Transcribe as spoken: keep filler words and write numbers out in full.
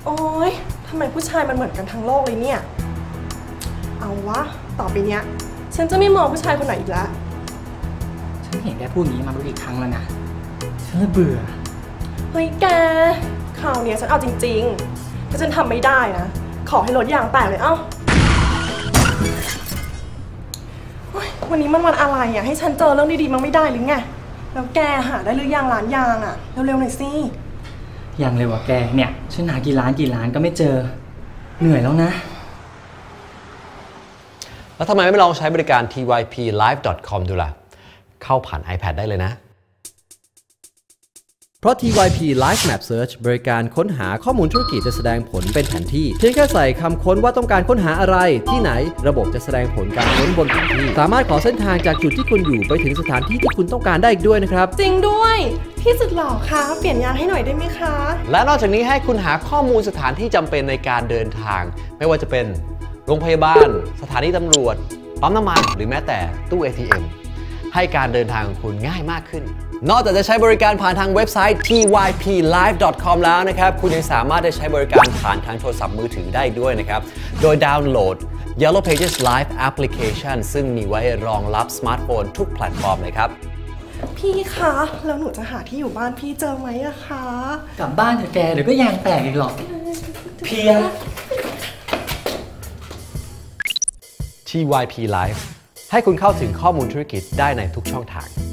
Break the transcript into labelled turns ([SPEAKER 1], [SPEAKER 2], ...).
[SPEAKER 1] โอ๊ยทำไมผู้ชายมันเหมือนกันทั้งโลกเลยเนี่ยเอาวะต่อไปเนี้ยฉันจะไม่มองผู้ชายคนไหนอีกแล้ว
[SPEAKER 2] ฉันเห็นแกพูดอย่างนี้มาไม่กี่ครั้งแล้วนะฉันเบื่อ
[SPEAKER 1] เฮ้ยแกคราวนี้ฉันเอาจริงๆถ้าฉันทำไม่ได้นะขอให้รถยางแตกเลยเอ้าวันนี้มันวันอะไรอ่ะให้ฉันเจอเรื่องดีๆมันไม่ได้หรือไงแล้วแกหาได้หรือยังร้านยางอ่ะเร็วๆหน่อยสิ
[SPEAKER 2] ยังเลยว่ะแกเนี่ยฉันหากี่ร้านกี่ร้านก็ไม่เจอเหนื่อยแล้วนะ
[SPEAKER 3] แล้วทำไมไม่ลองใช้บริการ ที วาย พี ไลฟ์ ดอท คอม ดูล่ะเข้าผ่าน iPad ได้เลยนะ
[SPEAKER 4] เพราะ ที วาย พี Live Map Search บริการค้นหาข้อมูลธุรกิจจะแสดงผลเป็นแผนที่เพียงแค่ใส่คำค้นว่าต้องการค้นหาอะไรที่ไหนระบบจะแสดงผลการค้นบนแผนที่สามารถขอเส้นทางจากจุดที่คุณอยู่ไปถึงสถานที่ที่คุณต้องการได้อีกด้วยนะครับ
[SPEAKER 1] จริงด้วยพี่สุดหล่อคะเปลี่ยนยางให้หน่อยได้ไหมคะ
[SPEAKER 3] และนอกจากนี้ให้คุณหาข้อมูลสถานที่จำเป็นในการเดินทางไม่ว่าจะเป็นโรงพยาบาลสถานีตำรวจปั๊มน้ำมันหรือแม้แต่ตู้ เอ ที เอ็ม ให้การเดินทางของคุณง่ายมากขึ้นนอกจากจะใช้บริการผ่านทางเว็บไซต์ ที วาย พี ไลฟ์ ดอท คอม แล้วนะครับคุณยังสามารถได้ใช้บริการผ่านทางโทรศัพท์มือถือได้ด้วยนะครับโดยดาวน์โหลด Yellow Pages Live Application ซึ่งมีไว้รองรับสมาร์ทโฟนทุกแพลตฟอร์มเลยครับ
[SPEAKER 1] พี่คะแล้วหนูจะหาที่อยู่บ้านพี่เจอไหมอะคะ
[SPEAKER 2] กลับบ้านเถอะแกเดี๋ยวก็ยางแตกอีกหรอกเพีย
[SPEAKER 3] ที วาย พี Live ให้คุณเข้าถึงข้อมูลธุรกิจได้ในทุกช่องทาง